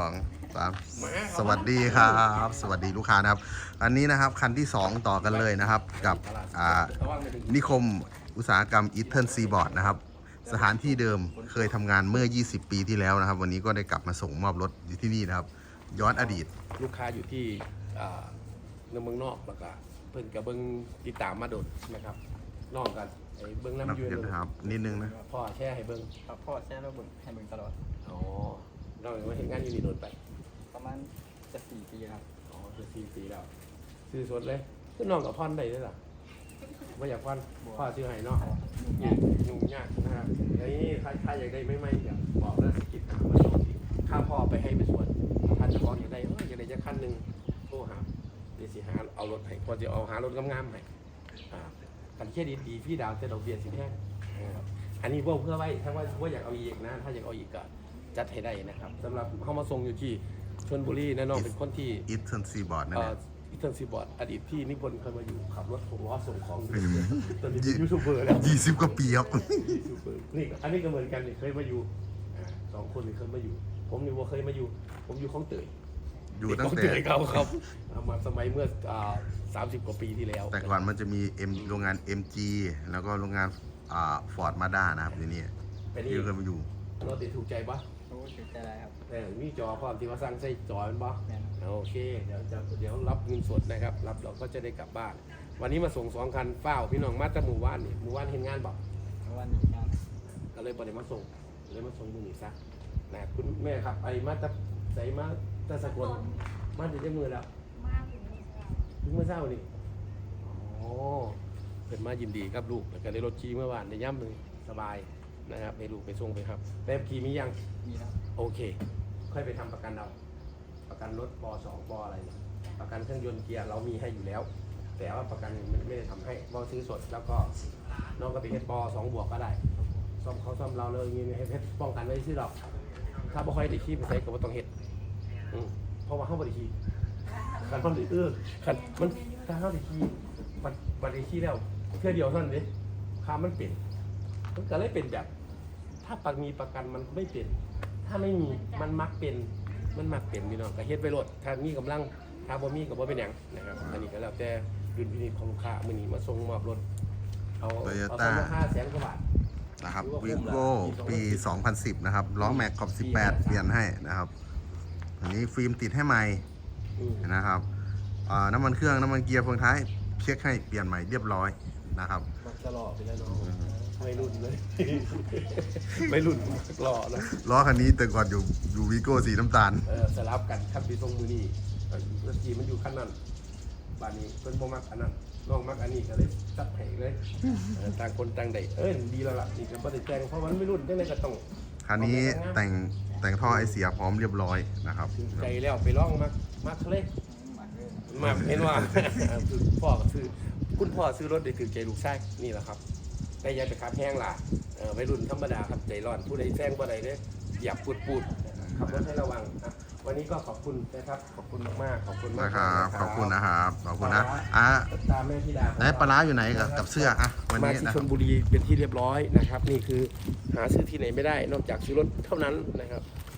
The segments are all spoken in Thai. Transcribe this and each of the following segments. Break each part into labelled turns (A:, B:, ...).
A: 2 3สวัสดีครับสวัสดีลูกค้านะครับอันนี้นะครับคันที่ 2 ต่อกันเลยนะครับกับนิคมอุตสาหกรรมอีเทิร์นซีบอร์ดนะครับสถานที่เดิมเคยทำงานเมื่อ20 ปีที่แล้วนะครับวันนี้ก็ได้กลับมาส่งมอบรถอยู่ที่นี่นะครับย้อนอดีต
B: ลูกค้าอยู่ที่ในเมืองนอกแล้วก็เพิ่นกับเบิ้งติดตามมาโดดนะครับนอกกันไอ้เบิ้งน้ำยืน
A: นะครับนิดนึงนะ
B: พ่อแช่ให้เบิ้ง
C: ครับพ่อแช่แล้วเบิ่งให้เบิ่งตลอด
B: อ๋อนอกจากว่าเห็นงานอยู่นี่โดนไป
C: ประมาณจะ4 ปีครับ
B: อ๋อจะ4 ปีแล้วซื้อสดเลยก็น้องกับพ่อนได้ด้วยล่ะไม่อยากพ่อนพ่อซื้อให้เนาะยุ่งยากนะครับแล้วนี่ถ้าอยากได้ไม่อยากบอกแล้วสกิปหามาโชว์ค่าพ่อไปให้ไปส่วนท่านจะบอกอยากได้อยากได้จะขั้นหนึ่งโทรหาเดี๋ยวสิหาเอารถให้พอจะเอาหารถงามๆให้กันเครดิตดีพี่ดาวจะดอกเบี้ยสิแพงอันนี้เพื่อไว้ถ้าว่าอยากเอาอีกนะถ้าอยากเอาอีกก็จัดให้ได้นะครับสำหรับเขามาส่งอยู่ที่ชลบุรีนะน้องเป็นคนที่
A: อีเทิร์นซีบอร์ดนั่นแหละ
B: อีเทิร์นซีบอร์ดอดีตพี่นิพนธ์เคยมาอยู่ขับรถ6 ล้อส่งของตอนนี้เป็นยูทูบเบอร์แล้ว
A: 20 กว่าปีครับ
B: นี่อันนี้ก็เหมือนกันเคยมาอยู่2 คนเคยมาอยู่ผมนี่ว่าเคยมาอยู่ผมอยู่ของเตย
A: อยู่ตั้งแต่
B: เขาครับมาสมัยเมื่อ30 กว่าปีที่แล้ว
A: แต่ก่อนมันจะมีโรงงาน MG แล้วก็โรงงานฟอร์ดมาด้านะครับที่นี่ที่เคยมาอยู่
B: เราติดถูกใจปะ
C: โอ้ถูกใจอะไรครับ
B: มีจอพร้อมที่ว่าสร้างใส่จอมันปะโอเคเดี๋ยวรับเงินสดนะครับรับเราก็จะได้กลับบ้านวันนี้มาส่ง2 คันเฝ้าพี่น้องมาจากหมู่บ้านนี่หมู่บ้านเห็นงานบอก
C: วันนี้ครับ
B: ก็เลยบ่ได้มาส่งเลยมาส่งมือหนีซะนะคุณแม่ครับไอ้มาจากใส่มาจากสกลมาถึงได้มือแล้วถึงเมื่อเช้านี่อ๋อเป็นมายินดีครับลูกแล้วก็ได้รถขี่เมื่อวานได้ย่ำเลยสบายนะครับให้ลูกไปส่งไปครับแบบขี่มียัง
C: มีครับ
B: โอเคค่อยไปทำประกันเอาประกันรถป.2 ป.อะไรประกันเครื่องยนต์เกียร์เรามีให้อยู่แล้วแต่ว่าประกันไม่ได้ทำให้เราซื้อสดแล้วก็น้องก็ไปเฮ็ดป.2 บวกก็ได้ซ่อมเขาซ่อมเราเลยมีให้เพชรป้องกันไว้ซื้อหรอกถ้าบ่ค่อยได้ขี่ไปใส่ก็บ่ต้องเฮ็ดเพราะว่าเขาบ่ได้ขี่คันมันคันมันถ้าเขาได้ขี่บัดได้ขี่แล้วเพื่อเดียวเท่านั้นเด้ค่ามันเปลี่ยนมันก็เลยเป็นแบบถ้ามีประกันมันไม่เป็นถ้าไม่มีมันมักเป็นพี่น้องก็เฮ็ดไปโลดถ้ามีกำลังถ้าบ่มีก็บ่เป็นหยังนะครับอันนี้ก็แล้วแต่ดุลพินิจของลูกค้ามื้อนี้มาส่งมอบรถเอา500,000 กว่าบาท
A: นะครับวีโก้ปี 2010 นะครับล้อแม็กขอบ18เปลี่ยนให้นะครับอันนี้ฟิล์มติดให้ใหม่นะครับน้ำมันเครื่องน้ำมันเกียร์เฟืองท้ายเช็คให้เปลี่ยนใหม่เรียบร้อยนะครับ
B: มักจะหล่อไปแล้วน้องไม่รุ่นเลยไม่รุ่นหล่อนะ
A: ล้อคันนี้แต่ก่อนอยู่วีโก้สีน้ำตาล
B: สลับกันครับปีทรงมือนี่รถจีมันอยู่ขั้นนั้นบ้านนี้เพิ่นบ่มักอันนั้นน้องมักอันนี้ก็เลยจัดให้เลยต่างคนต่างได้ดีแล้วล่ะนี่ก็บ่ได้แจ้งเพราะมันไม่รุ่นจังได๋ก็ต้อง
A: คันนี้แต่งท่อไอเสียพร้อมเรียบร้อยนะครับ
B: ใจแล้วไปร้องมักเลยมาเห็นว่าพ่อก็ซื้อคุณพ่อซื้อรถได้ถือใจลูกชายนี่แหละครับได้ยายไปขับแห้งล่ะวัยรุ่นธรรมดาครับใจร้อนผู้ใดแซงผู้ใดเนี่ยหยับปูดขับรถให้ระวังวันนี้ก็ขอบคุณนะครับขอบคุณมากขอบคุณมาก
A: ครับขอบคุณนะครับขอบคุณนะ
B: ตามแม่ธิดา
A: ไหนปลาอยู่ไหนกับเสื้อ
B: วันนี้มาที่ชลบุรีเป็นที่เรียบร้อยนะครับนี่คือหาซื้อที่ไหนไม่ได้นอกจากซื้อรถเท่านั้นนะครับ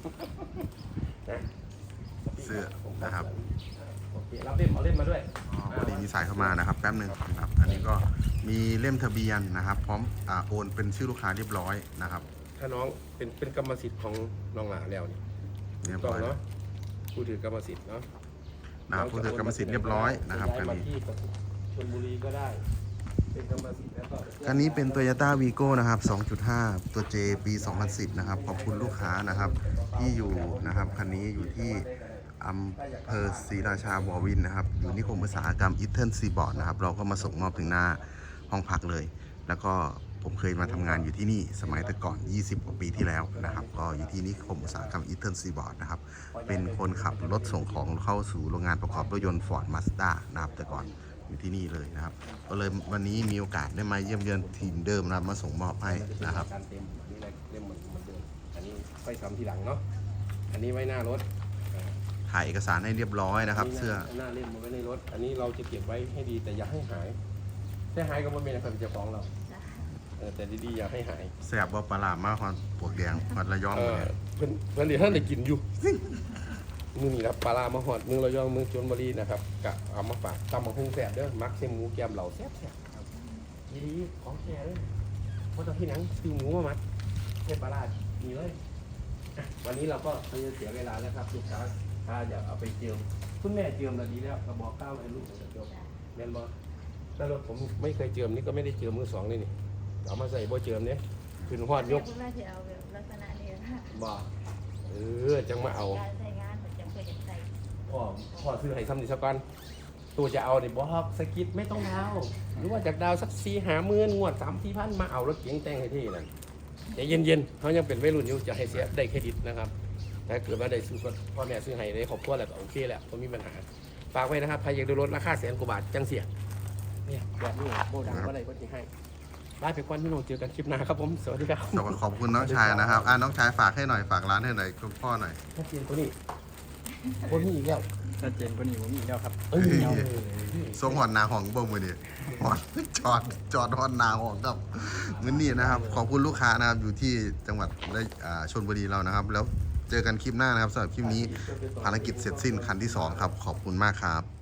A: เสื้อนะครับ
B: รับเล่มเอาเล่มมาด้วย
A: พอดีมีสายเข้ามานะครับแป๊บนึงครับอันนี้ก็มีเล่มทะเบียนนะครับพร้อมโอนเป็นชื่อลูกค้าเรียบร้อยนะครับ
B: ถ้าน้องเป็นกรรมสิทธิ์ของน้องหลาแล้วนี่ต้องเนาะผู้ถือกรรมสิทธิ์เนาะ
A: ผู้ถือกรรมสิทธิ์เรียบร้อยนะครับ
B: อันนี้ชลบุรีก็ได้เป็นกรรมสิทธิ์แล้วก็
A: อันนี้เป็น Toyota Vigo นะครับ 2.5 ตัว J ปี 2010 นะครับขอบคุณลูกค้านะครับที่อยู่นะครับคันนี้อยู่ที่อำเภอศรีราชาบวินนะครับอยู่นิคมอุตสาหกรรมอีเทิร์นซีบอร์ดนะครับเราก็มาส่งมอบถึงหน้าห้องพักเลยแล้วก็ผมเคยมาทำงานอยู่ที่นี่สมัยแต่ก่อน20 กว่าปีที่แล้วนะครับก็อยู่ที่นิคมอุตสาหกรรมอีเทิร์นซีบอร์ดนะครับเป็นคนขับรถส่งของเข้าสู่โรงงานประกอบรถยนต์ฟอร์ดมาสด้านะครับแต่ก่อนอยู่ที่นี่เลยนะครับก็เลยวันนี้มีโอกาสได้มาเยี่ยมเยือนทีมเดิมนะมาส่งมอบให้นะครับ
B: การเต็มอันนี้เล่มเหมือนเดิมอันนี้ค่อยทำทีหลังเนาะอันนี้ไว้หน้ารถ
A: ถ่ายเอกสารให้เรียบร้อยนะครับเสื้อ
B: หน้าเล่มมาไว้ในรถอันนี้เราจะเก็บไว้ให้ดีแต่อย่าให้หายถ้าหายก็ไม่เป็นอะไรเจ้าของเราแต่ดีๆอย่าให้หาย
A: แสบว่าปลาหลามากความปวดแดงมันระยอง
B: เพื่อนเดี๋ยวท่านได้กินอยู่มือนี่ครับปลาร้ามาหอดเมืองระยองเมืองชลบุรีนะครับกะเอามาฝากตำบักหุ่งแซ่บเด้อมักเส้นหมูแกมเหล่าแซ่บๆดีๆของแท้เลยเพราะตอนที่หนังซื้อหมูมามัดเทปลาร้ามีเลยอ่ะวันนี้เราก็ไม่จะเสียเวลาแล้วครับลูกค้าถ้าอยากเอาไปเจียมคุณแม่เจียมแล้วดีแล้วกระบอกข้าวให้ลูกเจียมแม่นบอแต่รถผมไม่เคยเจียมนี่ก็ไม่ได้เจียมมือสองนี่เอามาใส่บ่เจียมเนี่ยขึ้นหอดยก
D: คุณแม่จะเอาแบบลักษณะนี้นะ
B: บ่จังมาเอา
D: การใช้งานผมจำเป็นจะใส่
B: พ่อซื้อให้ซ้ำดิสักก่อนตัวจะเอาเนี่ยบอกสกิดไม่ต้องดาวหรือว่าจากดาวสัก4-5 หมื่นงวด3-4 พันมาเอารถเก๋งแต่งให้ที่นั่นใจเย็นๆเขายังเป็นวัยรุ่นอยู่จะให้เสียได้เครดิตนะครับถ้าเกิดว่าได้ซื้อพ่อแม่ซื้อให้ได้ครอบครัวแล้วก็โอเคแหละก็มีปัญหาฝากไว้นะครับใครอยากได้รถราคา100,000 กว่าบาทจังเสียเนี่ยแบบนี้โบดังก็ได้ก็จะให้ได้ไปก่อนพี่น้องเจอกันคลิปหน้าครับผมสวัสดีครับ
A: ขอบคุณน้องชายนะครับน้องชายฝากให้หน่อยฝากร้านให้หน่อยคุณพ่อหน่อย
B: ถ้าเจนตัวนี้คนนี้อีกแล้ว
C: ชัดเจนกว่านี้ผมมีแล้วครับ
B: เอา
A: ทรงหอนนาของเบิ้มมือนี่หอนจอดหอนนาของกับเงินนี่นะครับ ขอบคุณลูกค้านะครับอยู่ที่จังหวัดชลบุรีเรานะครับ แล้วเจอกันคลิปหน้านะครับสำหรับคลิปนี้ภารกิจเสร็จสิ้นคันที่ 2 ครับ ขอบคุณมากครับ